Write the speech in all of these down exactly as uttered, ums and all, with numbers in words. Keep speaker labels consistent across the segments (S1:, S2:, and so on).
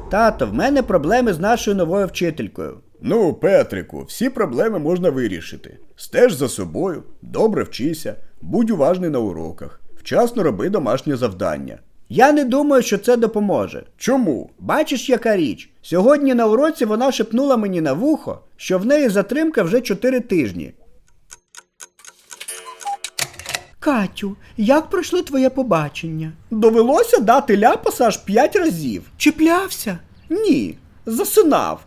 S1: Тато, в мене проблеми з нашою новою вчителькою.
S2: Ну, Петрику, всі проблеми можна вирішити. Стеж за собою, добре вчися, будь уважний на уроках, вчасно роби домашнє завдання.
S1: Я не думаю, що це допоможе.
S2: Чому?
S1: Бачиш, яка річ? Сьогодні на уроці вона шепнула мені на вухо, що в неї затримка вже чотири тижні. Катю, як пройшло твоє побачення? Довелося дати ляпаса аж п'ять разів. Чіплявся? Ні, засинав.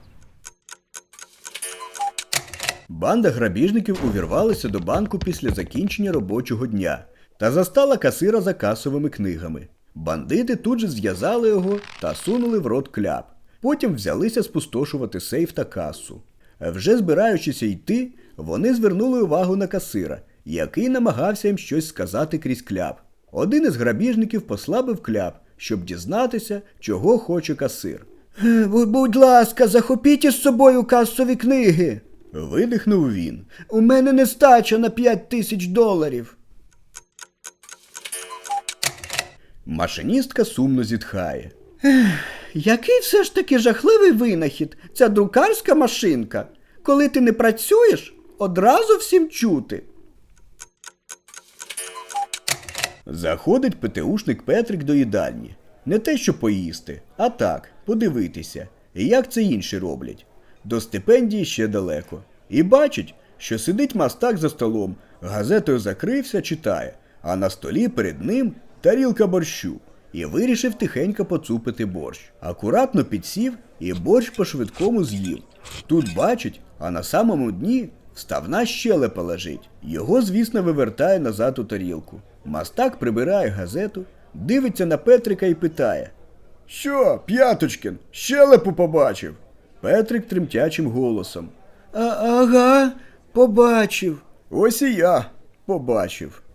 S2: Банда грабіжників увірвалася до банку після закінчення робочого дня та застала касира за касовими книгами. Бандити тут же зв'язали його та сунули в рот кляп. Потім взялися спустошувати сейф та касу. Вже збираючися йти, вони звернули увагу на касира, який намагався їм щось сказати крізь кляп. Один із грабіжників послабив кляп, щоб дізнатися, чого хоче касир.
S1: «Будь ласка, захопіть із собою касові книги!»
S2: Видихнув він.
S1: «У мене нестача на п'ять тисяч доларів!»
S2: Машиністка сумно зітхає.
S1: Який все ж таки жахливий винахід, ця друкарська машинка. Коли ти не працюєш, одразу всім чути.
S2: Заходить ПТУшник Петрик до їдальні. Не те, що поїсти, а так, подивитися, як це інші роблять. До стипендії ще далеко. І бачить, що сидить мастак за столом, газетою закрився, читає, а на столі перед ним тарілка борщу. І вирішив тихенько поцупити борщ. Акуратно підсів і борщ по-швидкому з'їв. Тут бачить, а на самому дні вставна щелепа лежить. Його, звісно, вивертає назад у тарілку. Мастак прибирає газету, дивиться на Петрика і питає. «Що, П'яточкін, щелепу побачив?» Петрик тремтячим голосом.
S1: А, ага, побачив.
S2: «Ось і я побачив».